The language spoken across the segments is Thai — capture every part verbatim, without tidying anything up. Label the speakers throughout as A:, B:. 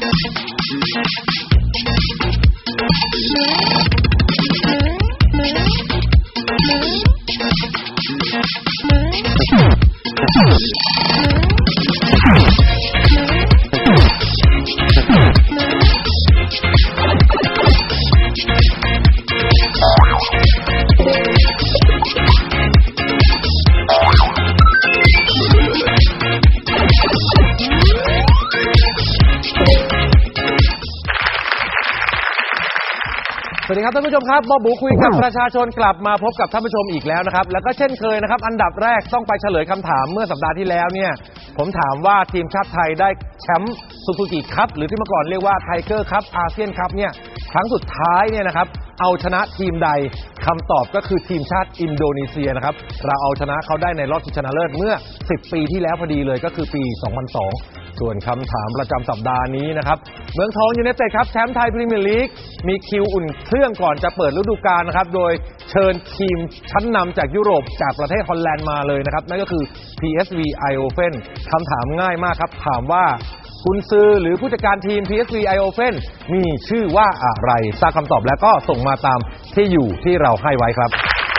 A: สวัสดีครับท่านผู้ชมครับบ๊อบบูคุยกับประชาชนกลับมาพบกับท่านผู้ชมอีกแล้วนะครับแล้วก็เช่นเคยนะครับอันดับแรกต้องไปเฉลยคำถามเมื่อสัปดาห์ที่แล้วเนี่ยผมถามว่าทีมชาติไทยได้แชมป์ซูซูกิคัพหรือที่เมื่อก่อนเรียกว่าไทเกอร์คัพอาเซียนคัพเนี่ยครั้งสุดท้ายเนี่ยนะครับเอาชนะทีมใดคำตอบก็คือทีมชาติอินโดนีเซียนะครับเราเอาชนะเขาได้ในรอบชิงชนะเลิศเมื่อสิบปีที่แล้วพอดีเลยก็คือปีสองพันสองส่วนคำถามประจำสัปดาห์นี้นะครับเมืองทองยูไนเต็ดครับแชมป์ไทยพรีเมียร์ลีกมีคิวอุ่นเครื่องก่อนจะเปิดฤดูกาลนะครับโดยเชิญทีมชั้นนำจากยุโรปจากประเทศฮอลแลนด์มาเลยนะครับนั่นก็คือ พี เอส วี Eindhoven คำถามง่ายมากครับถามว่ากุนซือหรือผู้จัดการทีม พี เอส วี Eindhoven มีชื่อว่าอะไรทราบคำตอบแล้วก็ส่งมาตามที่อยู่ที่เราให้ไว้ครับ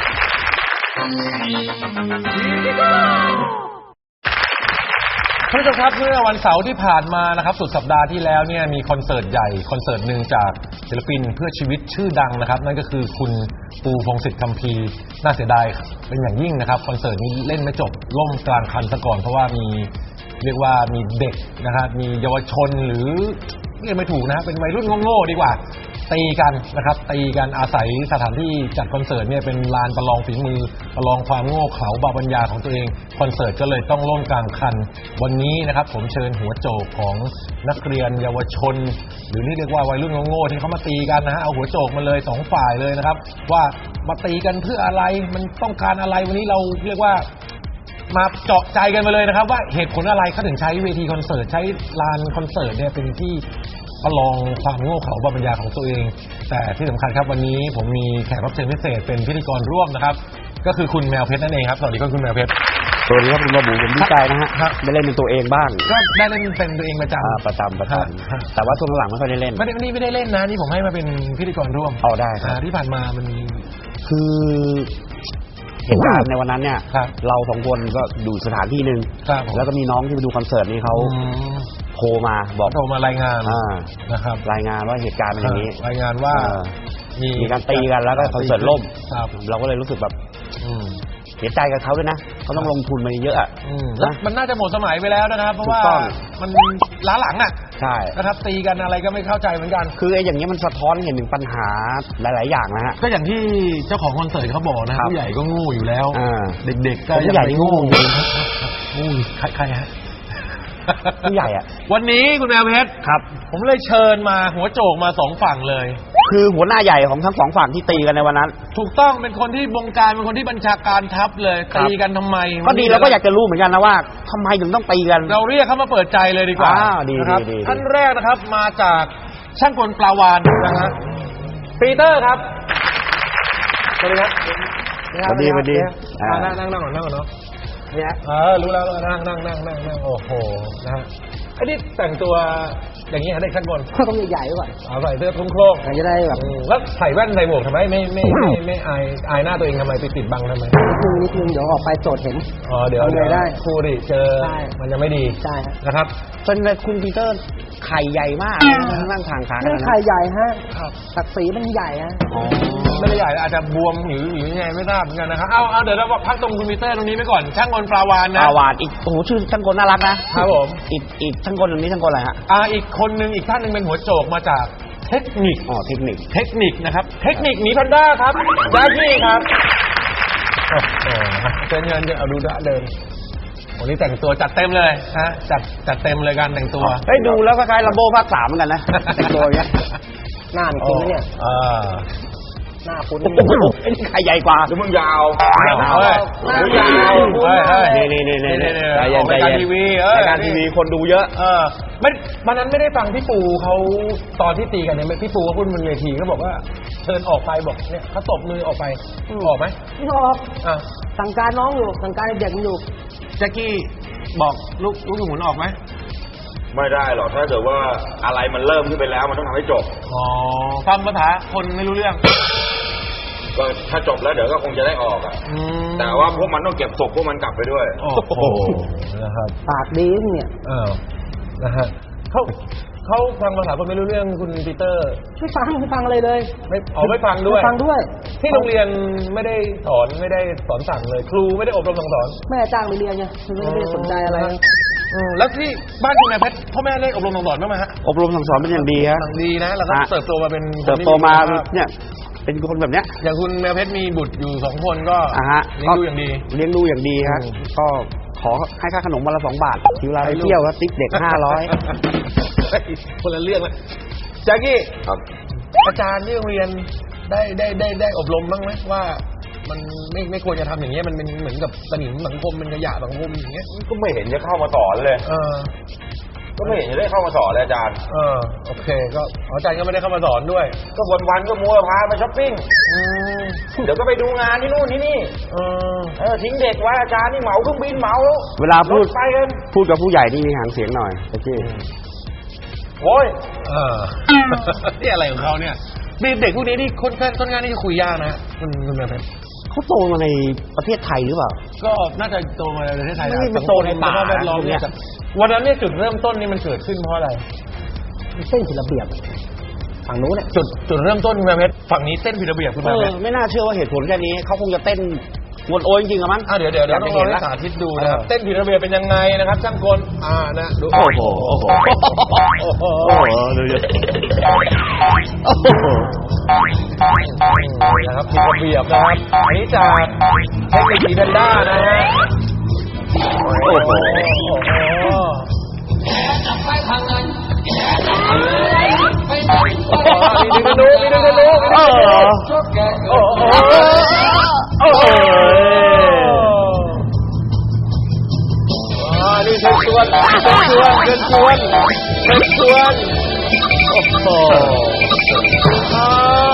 A: ท่านผู้ชมครับเมื่อวันเสาร์ที่ผ่านมานะครับสุดสัปดาห์ที่แล้วเนี่ยมีคอนเสิร์ตใหญ่คอนเสิร์ตหนึ่งจากศิลปินเพื่อชีวิตชื่อดังนะครับนั่นก็คือคุณปูพงษ์สิทธิ์คัมภีร์น่าเสียดายเป็นอย่างยิ่งนะครับคอนเสิร์ตนี้เล่นไม่จบล่มกลางคันซะก่อนเพราะว่ามีเรียกว่ามีเด็กนะครับมีเยาวชนหรือเรียกไม่ถูกนะเป็นวัยรุ่นโง่ๆดีกว่าตีกันนะครับตีกันอาศัยสถานที่จัดคอนเสิร์ตเนี่ยเป็นลานประลองฝีมือประลองความโง่เขลาบาปัญญาของตัวเองคอนเสิร์ตก็เลยต้องล่มกลางคันวันนี้นะครับผมเชิญหัวโจกของนักเรียนเยาวชนหรือที่เรียกว่าวัยรุ่นโง่ๆที่เขามาตีกันนะฮะเอาหัวโจกมาเลยสองฝ่ายเลยนะครับว่ามาตีกันเพื่ออะไรมันต้องการอะไรวันนี้เราเรียกว่ามาเจาะใจกันมาเลยนะครับว่าเหตุผลอะไรเขาถึงใช้เวทีคอนเสิร์ตใช้ลานคอนเสิร์ตเนี่ยเป็นที่ประลองความโง่เขลาบาปัญญาของตัวเองแต่ที่สำคัญครับวันนี้ผมมีแขกรับเชิญพิเศษเป็นพิธีกรร่วมนะครับก็คือคุณแมวเพชรนั่นเองครับสวัสดีครับคุณแมวเพชร
B: สวัสดีครับคุณบ๊อบบูผมดีใจนะฮะได้เล่นเป็นตัวเองบ้าง
A: ก็ได้เล่นเป็นตัวเองประจำ
B: ประจำประจำแต่ว่าช่วงหลังไม่ค่อยได้เล่น
A: ไม่ได้นี่ไม่ได้เล่นนะนี่ผมให้มาเป็นพิธีกรร่วม
B: เอาได้ครับ
A: ที่ผ่านมามัน
B: คือเหตุการณ์ในวันนั้นเนี่ยเราสองคนก็ดูสถานที่หนึ่งแล้วก็มีน้องที่มาดูคอนเสิร์ตนี่เขาโทรมาบอก
A: โทรมารายงาน
B: นะครับรายงานว่าเหตุการณ์เป็นอย่างนี้
A: รายงานว่า
B: มีการตีกันแล้วก็คอนเสิร์ตล่มเราก็เลยรู้สึกแบบเสียใจกับเขาด้วยนะเขาต้องลงทุนมาเยอะอ่ะ
A: แล้วมันน่าจะหมดสมัยไปแล้วนะครับเพราะว่ามันล้าหลังอ่ะ
B: ใช่
A: นะครับตีกันอะไรก็ไม่เข้าใจเหมือนกัน
B: คือไอ้อย่างนี้มันสะท้อนเห็นถึงปัญหาหลายๆอย่างนะฮะ
A: ก็อย่างที่เจ้าของคอนเสิร์ตเขาบอกนะผู้ใหญ่ก็โง่อยู่แล้วเด็กๆก็
B: ผู้ใหญ่โง่อยู่
A: งูใครฮะ
B: ผู้ใหญ่อ่ะ
A: วันนี้คุณแมวเพชร
B: ครับ
A: ผมเลยเชิญมาหัวโจกมาสองฝั่งเลย
B: คือหัวหน้าใหญ่ของทั้งสองฝั่งที่ตีกันในวันนั้น
A: ถูกต้องเป็นคนที่บงการเป็นคนที่บัญชาการทัพเลยตีกันทำไม
B: ก็ดีเราก็อยากจะรู้เหมือนกันนะว่าทำไมถึงต้องตีกัน
A: เราเรียกเขามาเปิดใจเลยดีกว่า
B: นะครับ
A: ท่านแรกนะครับมาจากช่างกลปลาวานนะฮะปีเตอร์ครับสวัสดีครับ
B: สวัสดีสวัสดี
A: นั่งนั่งนั่งก่อนนั่งก่อนเนาะเนี่ยเออรู้แล้วนั่งนั่งนั่งนั่งนั่งโอ้โหนะฮะไอ้นี่แต่งตัวอย่างนี้ฮะเด็กชั้นบน
C: ก็ต้องใหญ่ๆด้วย
A: เอาใส่เสื้อทุ่งโคลก
C: จะได้แบบ
A: แล้วใส่แว่นใส่หมวกทำไมไม่ไม่ไม่ไม่อายอายหน้าตัวเองทำไมไปปิดบังทำไม
C: นิดนึงนิดนึงเดี๋ยวออกไปโจทย์เห็น
A: อ๋อเดี๋ยวเดี๋ยวได้ครูดิเจอมันจะไม่ดี
C: ใช่
A: นะครับ
B: เป็นคุณปีเตอร์ไข่ใหญ่มากนั่งทางขา
C: ไม่ไข่ใหญ่ฮะศักดิ์ศรีมันใหญ่ฮะ
A: ไม่ได้ใหญ่อาจจะบวมหรือหรือยังไงไม่ทราบเหมือนกันนะครับเอาเอาเดี๋ยวเราพักตรงคุณปีเตอร์ตรงนี้ไปก่อนช่างกลปลาวานนะ
B: ปลาวานอีกโอ้โหชื่อช่างกลน่ารัก
A: นะครับผม
B: อีกอีกช่างกลตรงนี้ช่างกลอะไรฮะ
A: อ่าอีกคนนึงอีกท่านนึงเป็นหัวโจกมาจากเทคนิค
B: อ๋อเทคนิค
A: เทคนิคนะครับเทคนิคหมีแพนด้าครับแจ็คกี้ครับโอ้โหเชิญเชิญเอาดูเดินวันนี้แต่งตัวจัดเต็มเลยฮะจัดจัดเต็มเลยการแต่งตัว
B: เฮ้ยดูแล้วคล้ายๆลัมโบ้ภาคสามเหมือนกันนะแต่งตัวอย่างเงี้ย
C: หน้ามันคุ้นนะเนี่ยหน้าคุ้น
B: ไอ้นี่ใครใหญ่กว่า
A: ดูมึงยาว
C: หน้ายาว
B: นี่นี่นี่นี่
A: รายการทีวี
B: รายการทีวีคนดูเยอะ
A: เออไม่วันนั้นไม่ได้ฟังพี่ปูเขาตอนที่ตีกันเนี่ยพี่ปูเขาพูดบนเวทีเขาบอกว่าเชิญออกไปบอกเนี่ยเขาตบมือออกไปออกไหม
C: ไม่ออกอ่ะสั่งการน้องอยู่สั่งการเด็กมันอยู่
A: แจ็คกี้บอกลูกลูกหมุนออกไหม
D: ไม่ได้หรอกถ้าเกิดว่าอะไรมันเริ่มขึ้นไปแล้วมันต้องทำให้จบ
A: อ๋อฟังภาษาคนไม่รู้เรื่อง
D: ก็ถ้าจบแล้วเดี๋ยวก็คงจะได้ออกอ่ะแต่ว่าพวกมันต้องเก็บศพพวกมันกลับไปด้วย
A: โอ้โหนะครับ
C: ปากดีเนี่ย
A: เออนะฮะเขาเขาฟังภาษาคนไม่รู้เรื่องคุณปีเตอร์
C: ไม่ฟังไม่ฟังอะไรเลย
A: ไม่อ๋อไม่ฟังด้วย
C: ฟังด้วย
A: ที่โรงเรียนไม่ได้สอนไม่ได้สอนสั่งเลยครูไม่ได้อบรมสั่งสอน
C: แม่จ้างไปเรียนไงไม่ได้สนใจอะไร
A: แล้วที่บ้านคุณแม่เพชรพ่อแม่ได้อบรมสั่งสอนบ้างไหมฮะ
B: อบรมสั่งสอนเป็นอย่างดีฮะ
A: ดีนะแล้วก็เติบโตมาเป็น
B: เติบโตมาเนี่ยเป็นคนแบบเนี้ย
A: อย่างคุณแม่เพชรมีบุตรอยู่สองคนก็เลี้ยงดูอย่างดี
B: เลี้ยงดูอย่างดีฮะก็ขอให้ค่าขนมวันละสองบาททีเวลาไปเที่ยวก็ติ๊กเด็กห้าร้อย
A: คนละเรื่องเลยแจ็คกี้ครับอาจารย์ที่โรงเรียนได้ได้ได้ได้อบรมบ้างไหมว่ามันไม่ไม่ควรจะทำอย่างเงี้ยมันเป็นเหมือนกับสนิมสังคมเป็นขยะสังคมอย่างเงี้ย
D: ก็ไม่เห็นจะเข้ามาสอนเลยเออก็ไม่เห็นจะได้เข้ามาสอนเลยอาจารย์
A: เออโอเคก็อาจารย์ก็ไม่ได้เข้ามาสอนด้วย
D: ก็วันวันก็มัวพาไปช้อปปิ้งเดี๋ยวก็ไปดูงานที่นู่นที่นี่เออเออทิ้งเด็กไว้อาจารย์นี่เหมาเครื่องบินเหมา
B: เวลาพูดพูดกับผู้ใหญ่นี่มีหางเสียงหน่อยโอเค
D: โอ้ย
A: เออนี่อะไรของเขาเนี่ยเด็กพวกนี้นี่ค่อนข้างค่อนข้างที่จะคุยยากนะคุณคุณแม่เพชร
B: เขาโตมาในประเทศไทยหรือเปล่า
A: ก็น่าจะโตมาในประเทศไทย
B: ไม่ได้โตในป่า
A: แวดล้อมเนี่ยวันนั้นเนี่ยจุดเริ่มต้นนี่มันเกิดขึ้นเพราะอะไร
C: เต้นผิดระเบียบฝั่งนู้นเนี่ย
A: จุดจุดเริ่มต้นคุณแม่เพชรฝั่งนี้เต้นผิดระเบียบคุณแม่เพชร
B: ไม่น่าเชื่อว่าเหตุผลแค่นี้เขาคงจะเต้นวนโอยจริงๆอะมั้ง
A: เดี๋ยวเดี๋ยวเดี๋ยวต้องลองสาธิตดูนะครับเต้นผิดระเบียบเป็นยังไงนะครับช่างกลอ่านะดู
B: โอ้โหโอ้โหโอ้โหโอ้โหดูดิโอ้โห
A: นะครับผิดระเบียบนะครับอันนี้จากเทคนิคสีแพนด้านะฮะ
B: โอ้โห
A: มีดึงกระดูกมีดึงกระดูกโอ้โหโอ้โหโอ้โหอ่านี่เชิญชวนเชิญชวนเชิญชวนเชิญชวนโอ้โหอ่า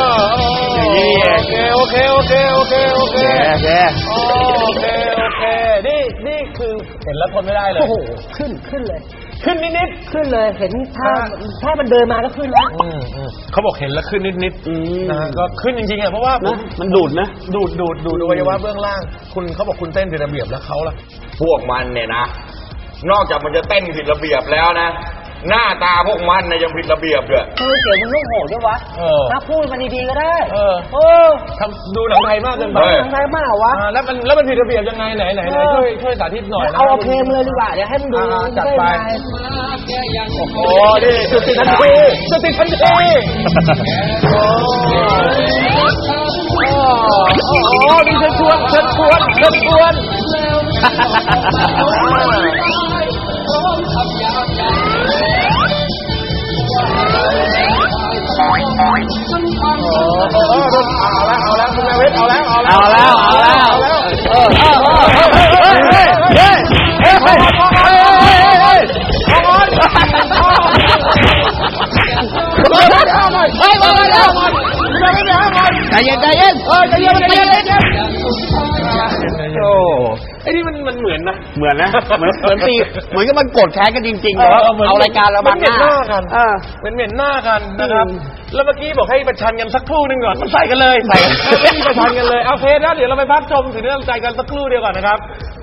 A: โอเคโอเคโอเคโอเคโอเค
B: โอเค
A: โอเคโอเคนี่นี่คือเห็นแล้วทนไม่ได้เลย
C: โอ้โหขึ้นขึ้นเลย
A: ขึ้นนิด
C: ๆขึ้นเลยเห็นถ้าถ้ามันเดินมาก็ขึ้นแล้ว
A: เขาบอกเห็นแล้วขึ้นนิดๆนะฮะก็ขึ้นจริงๆอ่ะเพราะว่า
B: มันดูดนะ
A: ดูดดูดดูดอวัยวะเบื้องล่างคุณเขาบอกคุณเต้นผิดระเบียบแล้วเขาล่ะ
D: พวกมันเนี่ยนะนอกจากมันจะเต้นผิดระเบียบแล้วนะหน้าตาพวกมันนะยังผิดระเบียบด้วย
C: เออเสียงมันลูกโหดด้วยวะถ้าพูดมันดีๆก็ได้เออ
A: เออทำดูหนังไทยมากเกินไป
C: หนังไทยมากวะ
A: แล้วมันแล้วมันผิดระเบียบยังไงไหนไหนไหนช่วยช่วยสาธิตหน่อย
C: นะเอาเพลงเลยดีกว่าเดี๋ยวให้มันดู
A: จัดไปโอ้ดิจุดติดทันทีจุดติดทันทีโอ้โหดิเชิญชวนเชิญชวนเชิญชวนเอาแล้วเอาแล้วคุณแม่เวทเอาแล้วเอาแล้ว
B: เอาแล้วเอาแล้วเออเออเฮ้ยเฮ้ยเฮ้ยเฮ้ยเฮ้ยเฮ้ยเฮ้ยเฮ้ยใจเย็นใจเย็น
A: เออใจเย็นใจเย็นใจเย็นโอ้ไอ้นี่มันมันเหมือนนะ
B: เหมือนนะเหมือนเหมือนตีเหมือนกับมันกดแค้นกันจริงๆแต่ว่าเอารายการเราบังหน้า
A: กันเป็นเหม็นหน้ากันนะครับแล้วเมื่อกี้บอกให้ประชันกันสักครู่นึงก่อนมันใส่กันเลยใส่ไม่มีประชันกันเลยเอาเพลนะเดี๋ยวเราไปพักชมถึงเรื่องใจกันสักครู่เดียวก่อนนะครับ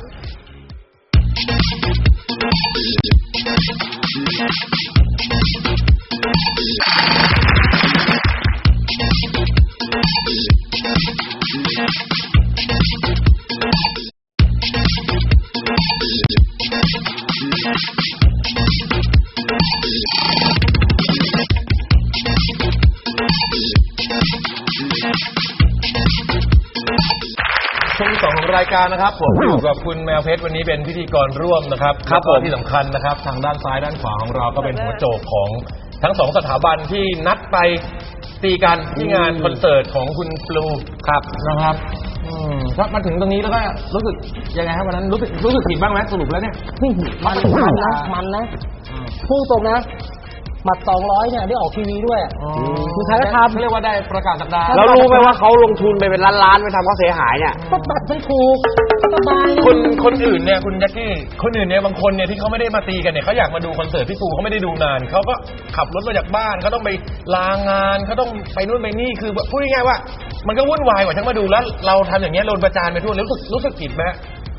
A: ช่วงที่สองของรายการนะครับผมอยู่กับคุณแมวเพชรวันนี้เป็นพิธีกรร่วมนะครับ
B: ครับผม
A: ที่สำคัญนะครับทางด้านซ้ายด้านขวาของเราก็เป็นหัวโจกของทั้งสองสถาบันที่นัดไปตีกันที่งานคอนเสิร์ตของคุณปลูครับนะครับอืมถ้ามาถึงตรงนี้แล้วก็รู้สึกยังไงครับวันนั้นรู้สึกรู้สึกผิดบ้างไหมสรุปแล้วเนี่ย
C: มันมันนะมันนะพูดตรงนะหมัดสองร้อยเนี่ยได้ออกทีวีด้วยคือใครก็ทำ
A: เรียกว่าได้ประกาศสัปดาห์
B: แล้วรู้ไหมว่าเขาลงทุนไปเป็นล้านๆไปทำเขาเสียหายเนี่ย
C: ก็ตัดไม่ถูกสบาย
A: คนคนอื่นเนี่ยคุณแจ็คกี้คนอื่นเนี่ยบางคนเนี่ยที่เขาไม่ได้มาตีกันเนี่ยเขาอยากมาดูคอนเสิร์ตพี่ปูเขาไม่ได้ดูนานเขาก็ขับรถมาจากบ้านเขาต้องไปลางานเขาต้องไปนู่นไปนี่คือพูดง่ายๆว่า มันก็วุ่นวายกว่าทั้งมาดูแล้วเราทำอย่างเงี้ยโดนประจานไปทั่วรู้สึกรู้สึกผิดไหม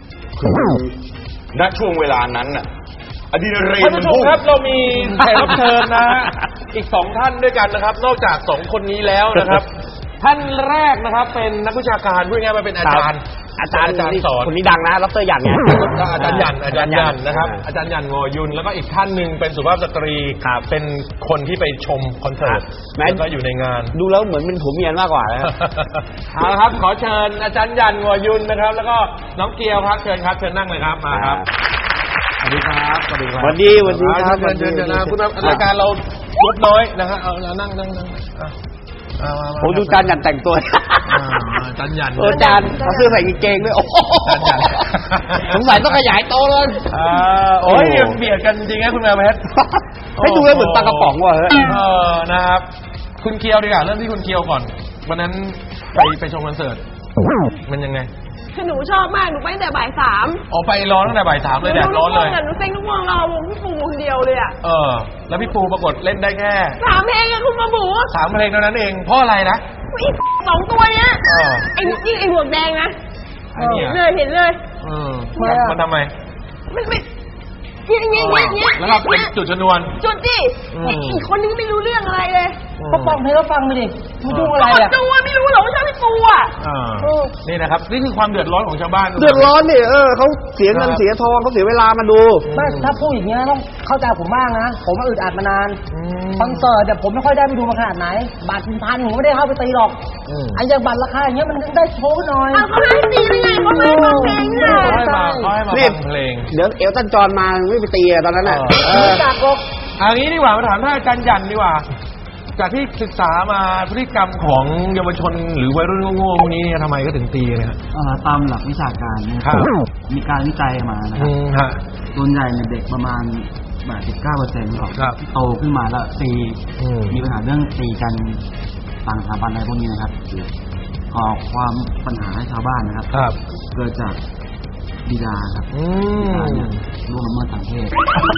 D: ณช่วงเวลานั้นน่ะอะดรีนาลีน
A: ท่านผู้ชมครับเรามีแขกรับเชิญนะฮะอีกสองท่านด้วยกันนะครับ นอกจากสองคนนี้แล้วนะครับ ท่านแรกนะครับเป็นนักวิชาการพูดง่ายๆว่าเป็นอาจารย์
B: อาจารย์
A: อาจารย์สอน
B: คนนี้ดังนะดรหยันไง
A: ก็อาจารย์หยันอาจารย์หยันนะครับ อาจารย์หยันงอยุนแล้วก็อีกท่านหนึ่งเป็นสุภาพสตรีเป็นคนที่ไปชมคอนเสิร์ตแล้วก็อยู่ในงาน
B: ดูแล้วเหมือนเป็นผัวเมียมากกว่านะ
A: เอาละครับขอเชิญอาจารย์หยันงอยุนนะครับ แล้วก็น้องเกียวครับเชิญครับเชิญนั่งเลยครับมาครับสวัสดีครับสวัสดีครับ
B: สวัสดีสวัสดีครับ
A: เชิญเชิญเชิญนะคุณรายการเราลดน้อยนะฮะเอาแล้วนั่งนั่งนั่งอ่ะมามา
B: ผมดูจานหยันแต่งตัว
A: อ่าอาจารย์หยัน
B: เออจานเขาซื้อใส่กางเกงด้วยโอ้โห
A: จานหยัน
B: สงสัยต้องขยายโตเลย
A: อ่าโอ้ยเบียดกันจริงๆคุณแมวเพชร
B: ให้ดูแล้วเหมือนปลากระป๋องว่ะเฮ้ย
A: เออนะครับคุณเคียวดีกว่าเริ่มที่คุณเคียวก่อนวันนั้นไปไปชมคอนเสิร์ตมันยังไง
E: คือหนูชอบมาก หนูไปตั้งแต่บ่ายสาม
A: ออกไปร้อนตั้งแต่บ่ายสามเลยแดดร้อนเลย
E: หนูเซ็งทุกวงรอวงพี่ปูคนเดียวเลยอ่ะ
A: เออ แล้วพี่ปูปรากฏเล่นได้แค่
E: สามเพลงอะคุณมาบู
A: สามเพลงเท่านั้นเองเพราะอะไรนะ
E: อีกสองตัวเนี้ย
A: เออ
E: ไอ้นี่ไอ้หมวกแดงนะ
A: ไอ้เนี่ย
E: เห็นเลยเห็นเลย
A: เออมันทำไม
E: มันไม่เงี้ยเงี้ยเงี้ยเงี้ย
A: แล้วก็เป็นจุดชนวน
E: จุดดิ
A: อืม
E: ไอ้อีกคนนึงไม่รู้เรื่องอะไรเลย
C: ก็ฟังเพลงก็ฟังไปดิไม่ยุ่งอะไรอ่ะ
E: ดูอะไม่รู้หรอกว่าชอบพี่ปูอ่ะ
A: อ่านี่นะครับนี่คือความเดือดร้อนของชาวบ้าน
B: เดือดร้อนนี่เออเขาเสียเงินเสียทองเขาเสียเวลามาดู
C: ไม่ถ้าพูดอย่างเงี้ยต้องเข้าใจผมบ้างนะ ผมมาอึดอัดมานาน
A: อืม
C: คอนเสิร์ตเนี่ยผมไม่ค่อยได้ไปดูมาขนาดไหน บัตรพันผมไม่ได้เข้าไปตีหรอก
A: อืม
C: ไอ้อย่างบัตรราคาอย่างเงี้ยมันได้โชว์หน่อย
E: เอาเขาให้ตีได้ไงเขาไม่ให้ฟังเพลงเนี่ย
A: เขาให้มาเขาให้มา
B: นี่
A: ฟังเพลง
B: เดี๋ยวเอลตันจอห์นมาไม่ไปตีอะตอนนั้นน่ะ
A: เอ
B: เออ
C: จากหรอก
A: เอางี้ดีกว่ามาถามท่านอาจารย์หยันดีกว่า จากที่ศึกษามาพฤติกรรมของเยาวชนหรือวัยรุ่นโง่ๆพวกนี้เนี่ยทำไมก็ถึงตีกันเนี่ย
F: เอ่อตามหลักวิชาการเนี่ย
A: ครับ
F: มีการวิจัยมานะค
A: อื
F: รับ
A: มฮะ
F: ส่วนใหญ่เนี่ยเด็กประมาณแปดสิบเก้าเปอร์เซ็นต์ของ
A: ครับ
F: ที่โตขึ้นมาแล้วตี
A: อืม
F: มีปัญหาเรื่องตีกันต่างสถาบันอะไรพวกนี้นะครับก่อความปัญหาให้ชาวบ้านนะครับ
A: ครับ
F: เกิดจากบิดาครับ
A: อื
F: บิดาเนี่
A: ม
F: ยล่วงละเมิดทางเพศ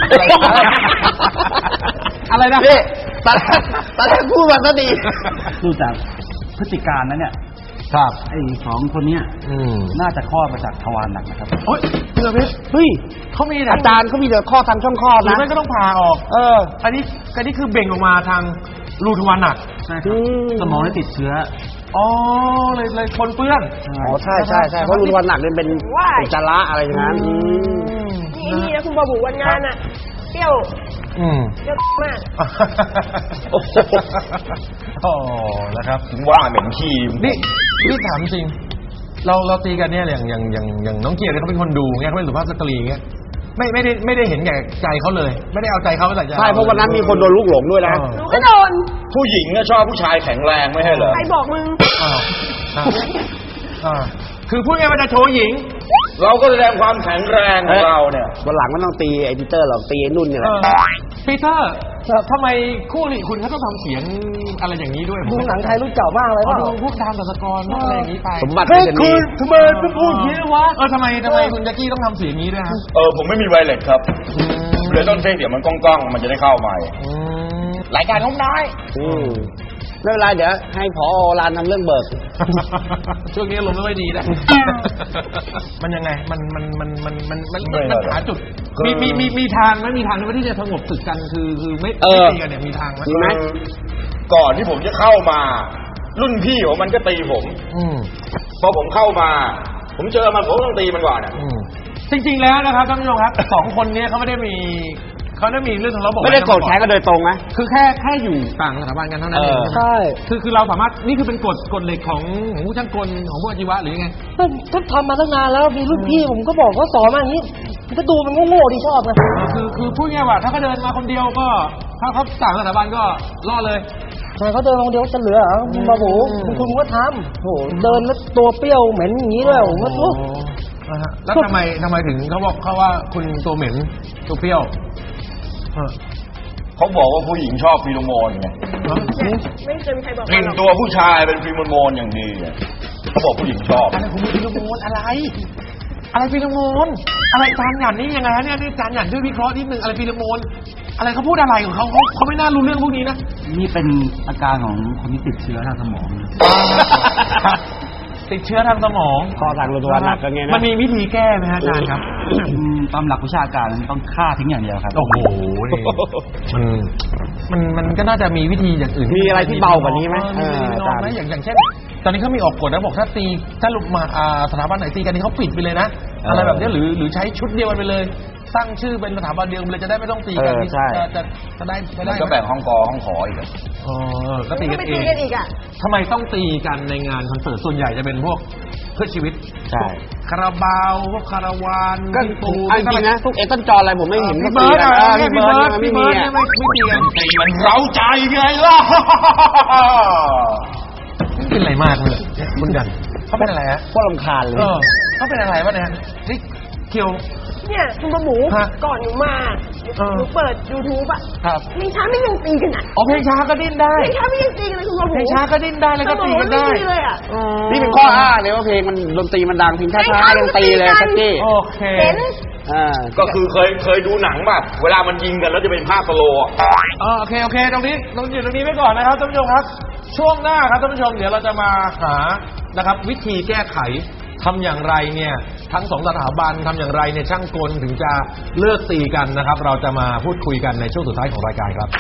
A: อะไรนะ
B: นี่ตอนแรกตอนแรกพูดมาก็ดี
F: ดูจากพฤติการนั้นเนี่ย
A: ครับ
F: ไอ้สองคนเนี้ย
A: อืม
F: น่าจะคลอดมาจากทวารหนักนะครับ
A: โอ๊ยเพื่อเพชร
B: เฮ้ย
A: เขามี
B: อาจารย์เขามีแต่ข้อทางช่องคลอด
A: หรือ
B: นะ
A: ไม่ก็ต้องผ่าออก
B: เออ
A: อันนี้อันนี้คือเบ่งออกมาทางรูทวารหนัก
F: ใช่ครับ
B: อืม
F: สมองได้ติดเชื้อ
A: อ๋อเลยเลยคนเปื้อน
B: อ๋อใช่ใช่ใช่เพราะรุนวันหนักเนี่ยเป็น
E: ว้าย
B: อุจจาระอะไรอย่างนั้นอืม
E: นี่นี่นะคุณบาบูวันงานอ่ะเปรี้ยว
A: อืม
E: เปรี้ยวมาก
A: โอ้โหโอ้นะครับ
D: ถึงว่าเหม็นขี้
A: นี่นี่ถามจริง เราเราตีกันเนี่ยอย่างอย่างอย่างอย่างน้องเกียรติเขาเป็นคนดูเงี้ยเขาเป็นสุภาพสตรีเงี้ยไม่ไม่ได้ไม่ได้เห็นแก่ใจเขาเลย ไม่ได้เอาใจเขาไปใส่ใจ
B: ใช่เพราะวันนั้นมีคนโดนลูกหลงด้วยนะ
E: หนูก็โดน
D: ผู้หญิงก็ชอบผู้ชายแข็งแรงไม่ใช่เหรอ
E: ใครบอกมึง
A: อ้าวอ่าอ่าคือพูดง่ายๆว่าจะโชว์หญิง
D: เราก็แสดงความแข็งแรงของเราเนี่ย
B: วันหลังไม่ต้องตีไอ้ปีเตอร์หรอกตีไอ้นุ่นเนี่ยแห
A: เอ
B: ละ
A: อปีเตอร์ทำไมคู่หลีคุณเขาต้องทำเสียงอะไรอย่างนี้ด้วย
C: ดูหนังไทยรุ่นเก่ามากเลย
A: เขา
C: ว่า
A: ดูพวกดามตัสกรพวกอะไรอย่างนี้ไป
B: สมบัติ
A: เฮ้ย
B: เป็น
A: คุ
B: นี่
A: ณทำไมไม่พูดอย่างนี้วะเออทำไมทำไมคุณแจ็คกี้ต้องทำเสียงนี้ด้วยฮะ
D: เออผมไม่มีไวเลสครับเลยต้องใช้เสียงมันก้องๆ มันจะได้เข้าใหม่
A: อืม
D: รายการน้องน้อย
B: อืมไม่เป็นไรเดี๋ยวให้ผอรานทำเรื่องเบิก
A: ช่วงนี้ลมณ์ไม่ค่อยดีนะ มันยังไง มันมันมันมันมันมัน
D: ไม่
A: มัน
D: หรอก
A: หาจุด
D: คือ
A: มีมีมีมีทางไหมมีทางไหมที่จะสงบศึกกันคือคือไม่
B: เอ
A: ไม่
B: อ
A: ตีกันเนี่ยมีทางไหม
B: มีไหม
D: ก่อนที่ผมจะเข้ามา รุ่นพี่ผมมันก็ตีผม
A: อืม
D: พอผมเข้ามา ผมเจอมันผมก็ต้องตีมันก่อนอ่ะ
A: อืมจริงๆแล้วนะครับท่านผู้ชมครับ สองคนเนี้เขาไม่ได้มีเขาได้มีเรื่องทะเลาะเบาะแว้ง
B: ไม่ได้โกรธแค้นกันโดยตรงนะ
A: คือแค่แค่อยู่ต่างสถาบันกันเท่านั้นเอง
B: เออ
A: ใช่
C: ใช่
A: คือคือเราสามารถนี่คือเป็นกฎกฎเหล็กของของผู้ช่างกลของผู้อาชีวะหรือยังไง
C: ก็ก็ทำมาตั้งนานแล้วมีรุ่นพี่ผมก็บอกว่าสอนมาอย่างนี้มันก็ดูมันโง่ๆดีชอบไง
A: เออคือคือพูดง่ายๆว่าถ้าเขาเดินมาคนเดียวก็ ถ้าเขาต่างสถาบันก็รอดเลย
C: ทำไมเขาเดินคนเดียวจะเหลือเหรอคุณบาบู
A: อืม
C: คุณคุณก็ทำโหเดินแล้วตัวเปรี้ยวเหม็นอย่างนี้ด้วยผมก็โอ้
A: นะฮะแล้วทำไมทำไมถึงเขาบอกเขาว่าคุณตัวเหม็นตัวเปรี้ยวเออ
D: เขาบอกว่าผู้หญิงชอบฟีโรโมนไง
E: ไม่เคยมีใครบอก
D: กลิ่นตัวผู้ชายเป็นฟีโรโมนอย่างดีอะเขาบอกผู้หญิงชอบ
A: อะไรคุณมีฟิโลโมนอะไรอะไรฟีโรโมนอะไรจานหยันนี่ยังไงฮะเนี่ยนี่จานหยันช่วยวิเคราะห์นิดนึงอะไรฟีโรโมนอะไรเขาพูดอะไรของเขาเขาเขาไม่น่ารู้เรื่องพวกนี้นะ
F: นี่เป็นอาการของคนที่ติดเชื้อทางสมองนะ
A: ติดเชื้อทางสมอง
B: ข้อทางตัวหนักกันไงนะ
A: มันมีวิธีแก้ไหมฮะอาจารย์ครับ
F: อืมตามหลักวิชาการมันต้องฆ่าทิ้งอย่างเดียวครับ
A: โอ้โหนี่มันมันมันก็น่าจะมีวิธีอย่างอื่น
B: มีอะไรที่เบากว่านี้ไหม
A: เออมี
B: เออ
A: น้องไหม
B: อาจารย์
A: อย่างอย่างเช่น ตอนนี้เขามีออกกฎนะบอกถ้าตีถ้าลุกมาอ่าสถาบันไหนตีกันนี่เขาปิดไปเลยนะ
B: เอออ
A: อะไรแบบนี้หรือหรือใช้ชุดเดียวกันไปเลยตั้งชื่อเป็นสถาบันเดียวกันเลยจะได้ไม่ต้องตีกัน
B: เออใช่
A: จะจะจะได้จะได้
D: ก็แบ่งห้องกอห้องขออีกอะ
A: อ๋อก็ตีกัน
E: ไป
A: เอ
E: ตี
A: ง
E: กันอีกอ่ะ
A: ทำไมต้องตีกันในงานคอนเสิร์ตส่วนใหญ่จะเป็นพวกเพื่อชีวิต
B: ใช่
A: พวกคาราบาวพวกคาราวาน
B: ก็
A: พี่ปู
B: เอาจริงๆนะพวกเอตันจอห์นอะไรผมไม่เห็น
A: พี่
B: ก็
A: เบิร์ด
B: ตี
A: อะ
B: กัน
A: พี่เบิร์ด
B: ไม่
A: พี่
B: มี
A: เบิร์ด
B: อะ
A: เนี่ยไม่ไม่ตีกัน
D: ตีมันเร้าใจไงล่ะ
A: เป็นอะไรมากเลยคุณยันเขาเป็นอะไรฮะ
B: พวกรำคาญเลย
A: เออเขาเป็นอะไรวะเนี่ยนี่เกี่ยว
E: เนี่ยคุณประหมู
A: ฮะ
E: ก่อนหนูมา
A: เออ
E: หนูเปิด YouTube อ่ะ
A: ครับ
E: เพลงช้าไม่ยังตีกันอ่ะ
A: อ๋อเพลงช้าก็ดิ้นได้
E: เพลงช้าไม่ยังตีกันเลยคุณประหมู
A: เพลงช้าก็ดิ้นได้แล้วก็ตีกันได้
E: สมองมันไม่ดีเลยอ่ะ
B: นี่เป็นข้ออ้างเลยว่าเพลงมันดนตรีมันดังเพลงช้าๆยังตีเลยแจ็คกี้
A: โอเค
E: เห็น
B: อ่า
D: ก็คือเคยเคยดูหนังแบบเวลามันยิงกันแล้วจะเป็นภาพสโลว์อะ
A: เออโอเคโอเคตรงนี้ตรงอยู่ตรงนี้ไว้ก่อนนะครับท่านผู้ชมครับ ช่วงหน้าครับท่านผู้ชมเดี๋ยวเราจะมาหานะครับวิธีแก้ไขทำอย่างไรเนี่ยทั้งสองสถาบันทำอย่างไรเนี่ยช่างกลถึงจะเลิกตีกันนะครับ เราจะมาพูดคุยกันในช่วงสุดท้ายของรายการครับ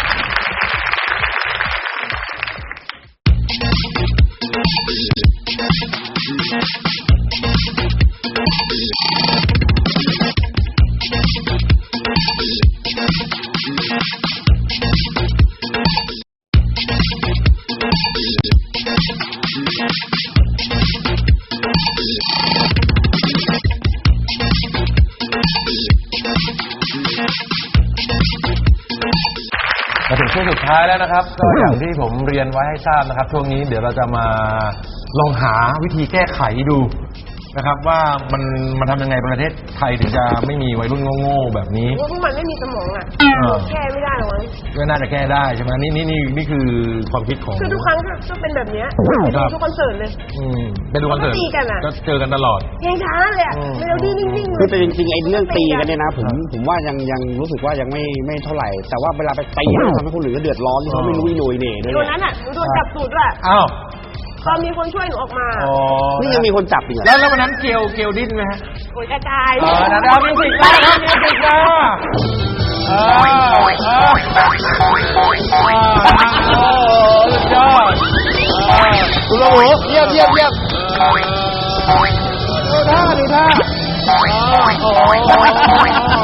A: มาถึงช่วงสุดท้ายแล้วนะครับ ก็อย่างที่ผมเรียนไว้ให้ทราบนะครับ ช่วงนี้เดี๋ยวเราจะมาลองหาวิธีแก้ไขดูนะครับ ว่ามันมันทำยังไงประเทศไทยถึงจะไม่มีวัยรุ่นโง่ๆแบบนี้
E: ว่าพวกมันไม่มีสมองอ่ะ
A: เออ
E: แก้ไม่ได้หรอกมั้ง
A: ก็น่าจะแก้ได้ใช่ไหมนี่นี่นี่นี่คือความคิดของ
E: คือทุกครั้งก็ก็เป็นแบบเนี้ย
A: ครับ
E: ทุกคอนเสิร์ตเลย
A: อืมไปดูคอนเสิร์ต
E: ก็ตีกันอะ
A: ก็เจอกันตลอด
E: เพลงช้าเลยอ่ะ
A: อืม
E: เมโลดี้นิ่งๆ
B: คือ
E: เล
B: แต่
E: ย
B: จริงๆไอ้เรื่องตีกันเนี่ยนะผมผมว่ายังยังรู้สึกว่ายังไม่ไม่เท่าไหร่ แต่ว่าเวลาไปตีแล้วทำให้คนอื่นก็เดือดร้อนที่เขาไม่รู้อีโหนยเหน่ด้วย
E: ตัว
B: เนี่ย
E: นั้นอ่ะหนูโดนจับตูดด้วย
A: อ้าว
E: ตอนมีคนช่วยหนูออกมา
A: อ๋อ
B: นี่ยังมีคนจับอีกเหรอ
A: แล้วแล้ววันนั้นเกลเกลดิ้นไหมฮะ
E: โอ้ยกระจาย
A: เออนะดาวมิวสิกมาครับมิวสิกมาเออเออเออโอ้สุดยอดเออคุณโอ้โหเยี่ยมเยี่ยมเยี่ยมดูท่าดูท่าโอ้โห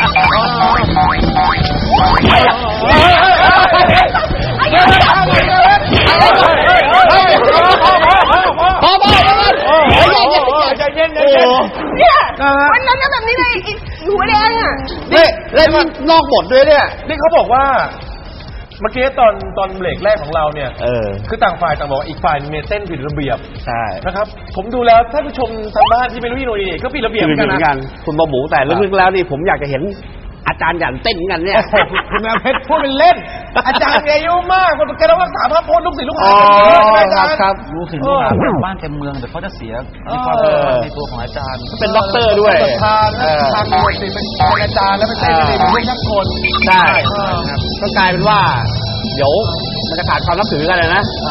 A: พอพอใจเย็นใจเย็น
E: เนี่ยวันนั้นก็แบบนี้เลยอีหัวแดงอ่ะ
B: นี่เล่นนอกบทด้วยเนี่ย
A: นี่เขาบอกว่าเมื่อกี้ตอนตอนเบรกแรกของเราเนี่ย
B: เออ
A: คือต่างฝ่ายต่างบอกว่าอีกฝ่ายเนี่ยเต้นผิดระเบียบ
B: ใช่
A: นะครับ ผมดูแล้วท่านผู้ชมทางบ้านที่ไม่รู้ที่โนนี่ก็ผิดระเบียบ
B: คือ
A: เหมือน
B: เห
A: กัน
B: มือนกั
A: นะ
B: นคุณบะหมูแต่ลึกๆแล้วนี่ผมอยากจะเห็นอาจารย์หยันเต้นเหมือนกันเนี่ย
A: โอ้โหคุณแม่เพชรพูดเป็นเล่น อาจารย์อายุมากคนแกต้องรักษาพระพจน์ลูกศิษย์ลูกหา
B: อ๋อ
A: อาจารย์
B: ครับ
F: รู้สึกว่าบ้านเต็มเมืองแต่เขาจะเสียในความ
B: เออ
F: ในตัวของอาจารย์
B: เป็นด็อกเตอร์ด้วย
A: ประธาน
B: เออ
A: ทางบวชสิเป็นอาจารย์แล้วเป็นเต้นสิเป็นลูกนักคน
B: ใช่
A: เออ
B: ก็กลายเป็นว่า เดี๋ยวมันจะขาดความนับถือกันเลยนะ
F: ใช่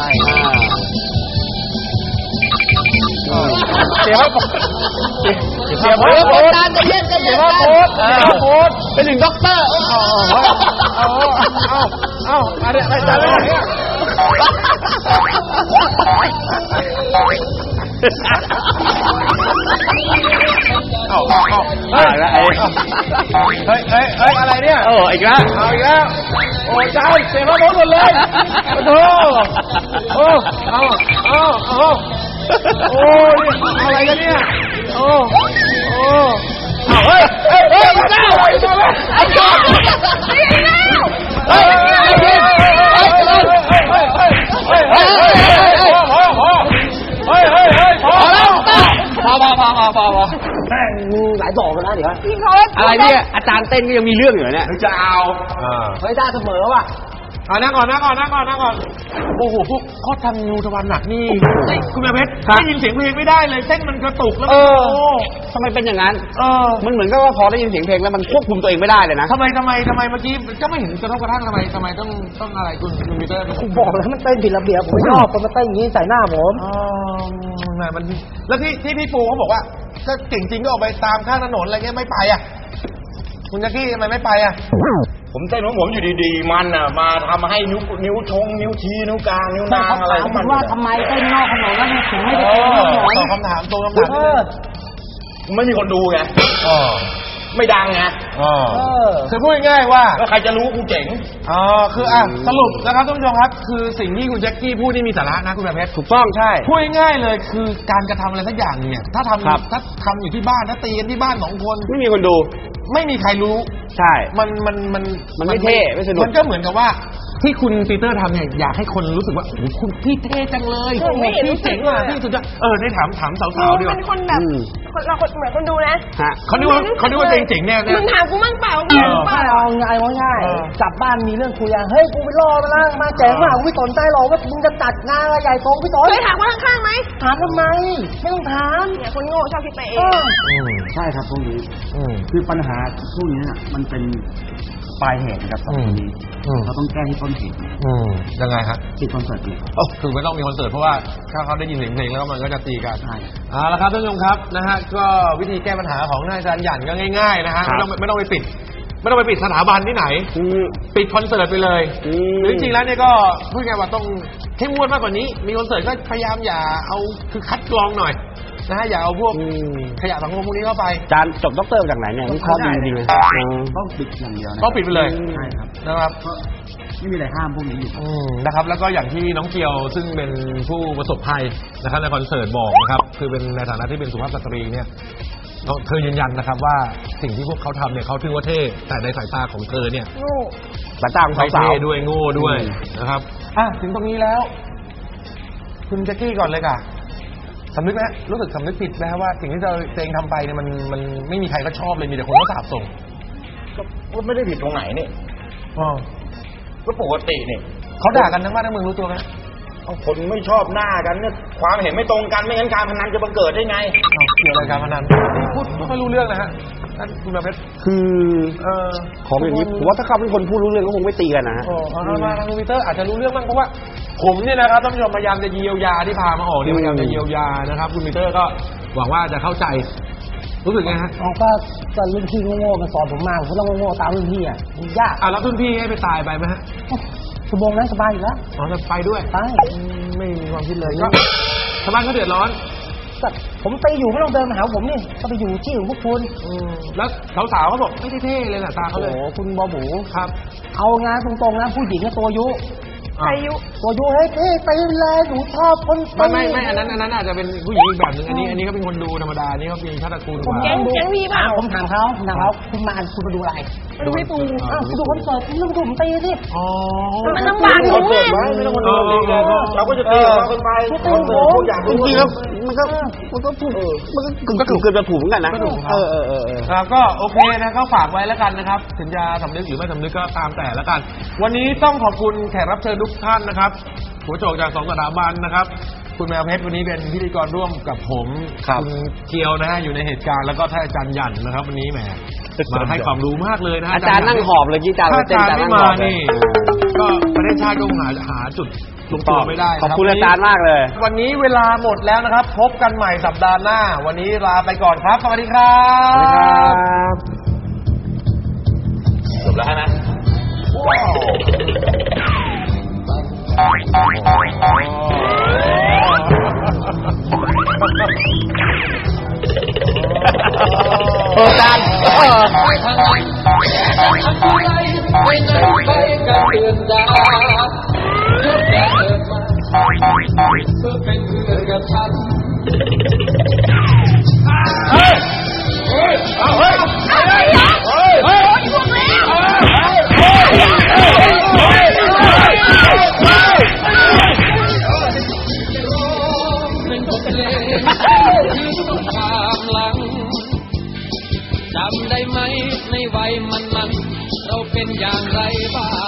B: อ่า
A: เสียพระพจน์เสียพระพจน์
B: อาจารย์ใจเย็นใจ
A: เสี
B: เย็
A: ย
B: น
A: พระพจน์เสียพระพจน์
B: เป็นหนึ่งด็อกเตอร์
A: เอาเอาเอาเอาอะไรอะไรอะไรเนี่ยเอาเอาเฮ้ย
B: แล้วไอ้
A: เฮ้ยเฮ้ยเฮ้ยอะไรเนี่ย
B: เอออีกแล้ว
A: เอาอีกแล้วโอ้เจ้าเสียพระพจน์หมดเลยโอ้โหโอ้เอาเอาเอาโอ้ยอะไรกันเนี่ยโอ้โอ้เอาเฮ้ยเฮ้ยเฮ้ยเจ้าเฮ้ยเจ้าเฮ้ยเจ้าเฮ้ยเฮ้ยเฮ้ยเฮ้ยเฮ้ยเฮ้ยเฮ้ยเฮ้ยพอพอเฮ้ยเฮ้ยเฮ้ยพอแล้ว
B: พอพอพอพอพอพอ
C: แม่งมึงหลายดอกแล้วนะเดี๋ยว
E: พี่พศ
B: อะไรเนี่ยอาจารย์เต้นก็ยังมีเรื่องอยู่เนี่ย
A: จะเอา
C: เฮ้ยได้เสมอว่ะ
A: อ่านั่งก่อนนั่งก่อนนั่งก่อนนั่งก่อนโอ้โหพวกข้อทำงูทวารหนักนี่เฮ้ยคุณแม่เพชรได้ยินเสียงเพลงไม่ได้เลยเส้นมันกระตุกแล้ว
B: เออ
A: โอ้
B: ทำไมเป็นอย่างนั้น
A: เออ
B: มันเหมือนกับว่าพอได้ยินเสียงเพลงแล้วมันควบคุมตัวเองไม่ได้เลยนะ
A: ทำไมทำไมทำไมเมื่อกี้ก็ไม่เห็นกระทบกระทั่งทำไมทำไมต้องต้องอะไรคุณคุณปีเตอร์
C: ผมบอกแล้วมันเต้นผิดระเบียบผมไม่ชอบคนมาเต้นอย่างนี้ใส่หน้าผม
A: อ๋อแหมมันแล้วที่ที่พี่ปูเขาบอกว่าก็เก่งจริงก็ออกไปตามข้างถนนอะไรเงี้ยไม่ไปอ่ะคุณจักกี้ทำไมไม่ไปอ่ะ
D: ผมเต้นของผมอยู่ดีๆมันอ่ะมาทำให้นิ้วนิ้วชงนิ้วชี้นิ้วกลางนิ้วนางอะไรของมัน
C: ว่าทำไมเต้นนอกถนนแล้วถึงไม่
A: เอ
C: ได้เต้นนอกถนน
A: อตอบคำถามตรงคำถาม
C: เอ
A: นิดนึ
C: อง
D: ไม่มีคนดูไง
A: อ๋อ
D: ไม่ดังไง
A: อ๋อ
C: เออ
A: คือพูดง่ายๆว่า
D: แล้วใครจะรู้กูเจ๋ง
A: อ๋อคืออ่ะสรุปนะครับท่านผู้ชมครับคือสิ่งที่คุณแจ็คกี้พูดนี่มีสาระนะคุณแบบเพชร
B: ถูกต้องใช่
A: พูดง่ายๆเลยคือการกระทำอะไรสักอย่างเนี่ยถ้าท
B: ครับ
A: ำถ้าทำอยู่ที่บ้านถ้าตีกันที่บ้านสองคน
B: ไม่มีคนดู
A: ไม่มีใครรู้
B: ใช่
A: มันมันมัน
B: มันไม่เท่ไม่สนุก
A: มันก็เหมือนกับว่าที่คุณปีเตอร์ทำเนี่ยอยากให้คนรู้สึกว่าโอ้โหคุณพี่เท่จังเลย
E: ใช่ไม่เห็น
A: พี่
E: รู้สึ
A: เจ๋
E: ก
A: ง
E: เล
A: อ่ะ
E: ย
A: พี่สุดยอดเออได้ถามถามสาว
E: มึ
A: ๆ
E: ง
A: ดีก
E: เป็
A: ว่าน
E: คนแบบ
B: อืม
E: คนเราคนเหมือนคนดูนะ
B: ฮะ
A: เขานึกว่าเขานึกว่าเจ๋งๆเนี่ยเนี่ย
E: มึงถามกูมั่งเปล่ามึง
A: เออ
E: เปล่า
C: เอาง่ายง่าย
A: เออ
C: กลับบ้านมีเรื่องคุยอ่ะเฮ้ยกูไปรอมาแล้วมาแจ๋งมากกูไม่สนใจหรอกว่ามึงจะจัดงานอะไรใหญ่โตกูไม่สน
E: เคยถามคนข้างๆไหม
C: ถามทำไมไม่ต้องถาม
E: เนี่ยคนโง่ชอบคิดไปเอ
C: เอง อ
A: อืม
F: ใช่ครับพวกนี้
A: อืม
F: คือปัญหาพวกนี้น่ะมันเป็นปลายเหตุนะครับสองคนนี้
A: อืม
F: เราต้องแก้ที่ต้นเหตุ
A: อืมยังไงฮะ
F: ที่คอนเสิร์ตเลย
A: โอ้คือไม่ต้องมีคอนเสิร์ตเพราะว่าถ้าเขาได้ยินเสียงเพลงแล้วมันก็จะตีกัน
F: ใช่
A: เอาละครับท่านผู้ชมครับนะฮะก็วิธีแก้ปัญหาของท่านอาจารย์หยันก็ง่ายๆนะฮะ
B: ครั
A: ไม่
B: บ
A: ต้องไม่ต้องไปปิด ไม่ต้องไปปิดสถาบันที่ไหน
B: อืม
A: ปิดคอนเสิร์ตไปเลย
B: อืม
A: หรือจริงๆแล้วเนี่ยก็พูดง่ายๆว่าต้องเข้มงวดมากกว่านี้ มีคอนเสิร์ตก็พยายามอย่าเอาคือคัดกรองหน่อยนะฮะอย่าเอาพวก
B: อืม
A: ขยะสังคมพวกนี้เข้าไป
B: จานจบด็อกเตอร์มาจากไหนเนี่ยนี่ข้อดีจริงๆเลย
F: ต้องปิดอย่างเดียวนะ
A: ต้องปิดไปเลย
F: ใช่ครับ
A: นะครับ
F: เพราะไม่มีอะไรห้ามพวกนี้อยู่
A: อืมนะครับแล้วก็อย่างที่น้องเกียวซึ่งเป็นผู้ประสบภัยนะครับในคอนเสิร์ตบอกนะครับคือเป็นในฐานะที่เป็นสุภาพสตรีเนี่ยเธอยืนยันนะครับว่าสิ่งที่พวกเขาทำเนี่ยเขาถือว่าเท่แต่ในสายตาของเธอเนี่ย
E: โง่
B: สายตาของ
A: ไม่
B: สาว
A: เท่ด้วยโง่ด้วย
B: อืม
A: นะครับอ่ะถึงตรงนี้แล้ว คุณแจ็คกี้ก่อนเลยค่ะสำนึกไหมรู้สึกสำนึกผิดไหมครับว่าสิ่งที่เราตัวเองทำไปเนี่ยมันมันไม่มีใครก็ชอบเลยมีแต่คนก็สาบส่ง
D: ก็ไม่ได้ผิดตรงไหนนี่
A: อ๋อ
D: ก็ปกตินี่
A: เขาด่ากันทั้งบ้านทั้งเมืองรู้ตัวไหม
D: เอาคนไม่ชอบหน้ากันเนี่ยความเห็นไม่ตรงกันไม่งั้นการพนันจะบังเกิดได้ไง
A: อ้าวเกี่ยวอะไรกับการพนันพูดไม่ค่อยรู้เรื่องนะฮะท่านคุณประเพชร
B: คือ
A: เออ
B: ของอย่างนี้ผมว่าถ้าเขาเป็นคนพูดรู้เรื่องก็คงไม่ตีกันนะฮะ
A: โอ้เอามาทางคอมพิวเตอร์อาจจะรู้เรื่องบ้างเพราะว่าผมเนี่ยนะครับท่านผู้ชมพยายามจะเยียวยาที่พามาออกเนี่ยพยายามจะเยียวยานะครับคุณปีเตอร์ก็หวังว่าจะเข้าใจรู้สึกไงฮะ
C: เอาก็ก็รุ่นพี่โง่ๆมาสอนผมมาผมก็ต้องโง่ๆตามรุ่นพี่อ่ะมันยาก
A: อ่ะแล้วรุ่นพี่ให้ไปตายไปไหมฮะ
C: ชั่วโมงนั้นสบายอยู่แล้ว
A: อ๋อจะไปด้วย
C: ไป
A: อืมไม่มีความคิดเลยก็ชาวบ้านเขาเดือดร้อน
C: ก็ผมไปอยู่ไม่ต้องเดินมาหาผมนี่ก็ไปอยู่ที่ของพวกคุณ
A: อืมแล้วสาวๆเขาบอกไม่ได้เท่เลยน่ะตาเขา
C: โอ้
A: เลย
C: โหคุณบอหมู
A: ครับ
C: เอางานตรงๆนะผู้หญิงก็ตัวยุ
E: อายุ
C: ตัวยุเฮ้ยเท่ไปเลยหนูชอบคน
A: ไม่ไม่ไม่อันนั้นอันนั้นอาจจะเป็นผู้หญิงอีกแบบหนึ่งอันนี้อันนี้ก็เป็นคนดูธรรมดาอันนี้เขาเป็นชาติคุณกว่า
E: แก๊งแก๊งพี่เปล่า
C: ผมถามเขาถามเขาคุณมาคุณมาดูอะไร
E: มาดูพี่ปู
C: อ้าวคุณดูคอนเสิร์ตคุณต้องดูผมตีสิ
A: อ๋อ
E: มันลำบากหนู
D: คอนเสิร์ตไว้ไม่ต้องคนดูดีเลยเราก็จะตีของเรากันไปคอนเสิร์ตพวกอยาก
B: จ
D: รู้
B: ริงๆแล้วมันก็มันก็ถูกมันก็กึ่งก็ถูกเกินจะถูกเหมือนกันนะ
A: ก็ถูกครับ
B: เออเออเออเออ
A: ครับก็โอเคนะก็ฝากไว้แล้วกันนะครับถึงจะสำนึกหรือไม่สำนึกก็ตามแต่แล้วกัน วันนี้ต้องขอบคุณแขกรับเชิญทุกท่านนะครับหัวโจกจากสองสถาบันนะครับ คุณแมวเพชรวันนี้เป็นพิธีกรร่วมกับผม
B: ครับ
A: ณเกียวนะฮะอยู่ในเหตุการณ์แล้วก็ท่านอาจารย์หยันนะครับ วันนี้แหมมาให้ความรู้มากเลยนะฮะ
B: อาจารย์นั่งหอบเลยที่อาจารย์
A: ถ้าอาจารย์
B: เต้น
A: ไม่
B: อาจารย์นั่ง
A: มา
B: หอบเลย
A: นี่ ก็ประเทศชาติก็คงหาหาจุดลงตัวไม่ได้นะ
B: ขอบคุณอาจารย์มากเลย
A: วันนี้เวลาหมดแล้วนะครับ พบกันใหม่สัปดาห์หน้า วันนี้ลาไปก่อนครับสวัสดีครับ
B: สวัสดีครับ
D: จบแล้วนะ
B: เอออาจารย์เออ
G: ไปไหนไปกันเดือนดาเพื่อแกเกิดมาเพื่อเป็นเพื่อนกับฉัน
D: เฮ้ย เฮ้ย เอาเฮ้ย
E: อะไรอ่ะ
D: เฮ้ย
E: โอ้ยพวกแล้ว
D: เฮ้ย เฮ้ย เฮ้ย เฮ้ย
G: เป็นบทเพลงคือทุกความหลังจำได้ไหมในวัยมันมันเราเป็นอย่างไรบ้าง